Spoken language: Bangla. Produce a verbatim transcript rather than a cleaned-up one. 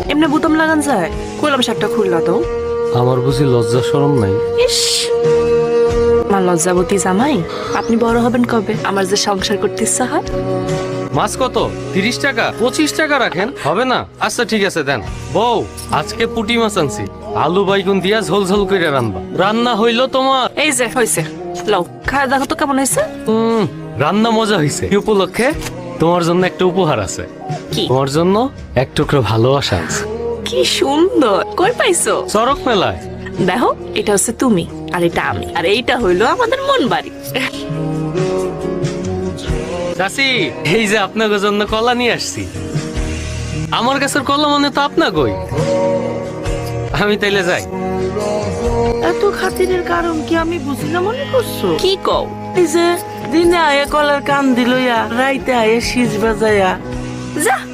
এমনি বুতাম লাগান যায়? কইলাম শার্টটা খুললা তো। আমার বুঝি লজ্জা শরম নাই? ইস, আমার লজ্জাবতী জামাই। আপনি বড় হবেন কবে? আমার যে সংসার করতে ইচ্ছা হয়। মাছ কত? তিরিশ টাকা? পঁচিশ টাকা রাখেন, হবে না? আচ্ছা ঠিক আছে দেন। বউ, আজকে পুঁটি মাছ আনছি, আলু বাইগুন দিয়া ঝোল ঝোল করে রান্না। রান্না হইলো তোমার? এই যে হয়েছে, লও খায় দেখো তো কেমন হয়েছে। হুম, রান্না মজা হয়েছে। এই উপলক্ষে তোমার জন্য একটা উপহার আছে। কি? তোমার জন্য এক টুকরো ভালোবাসা আছে। কি সুন্দর, কই পাইছো? চরক মেলায়। দেখো, এটা হচ্ছে তুমি আর এটা আমি, আর এইটা হইলো আমাদের মন বাড়ি। চাচি, এই যে আপনাদের জন্য কলা নিয়ে আসছি। আমার কাছের কলা মানে তো আপনা কই। আমি তাইলে যাই। এত খাতিরের কারণ কি আমি বুঝি না মনে করছো? কি কও? এই যে দিনে আয়ে কলার কান দিলইয়া, রাইতে আয়ে শীষ বাজাইয়া, যা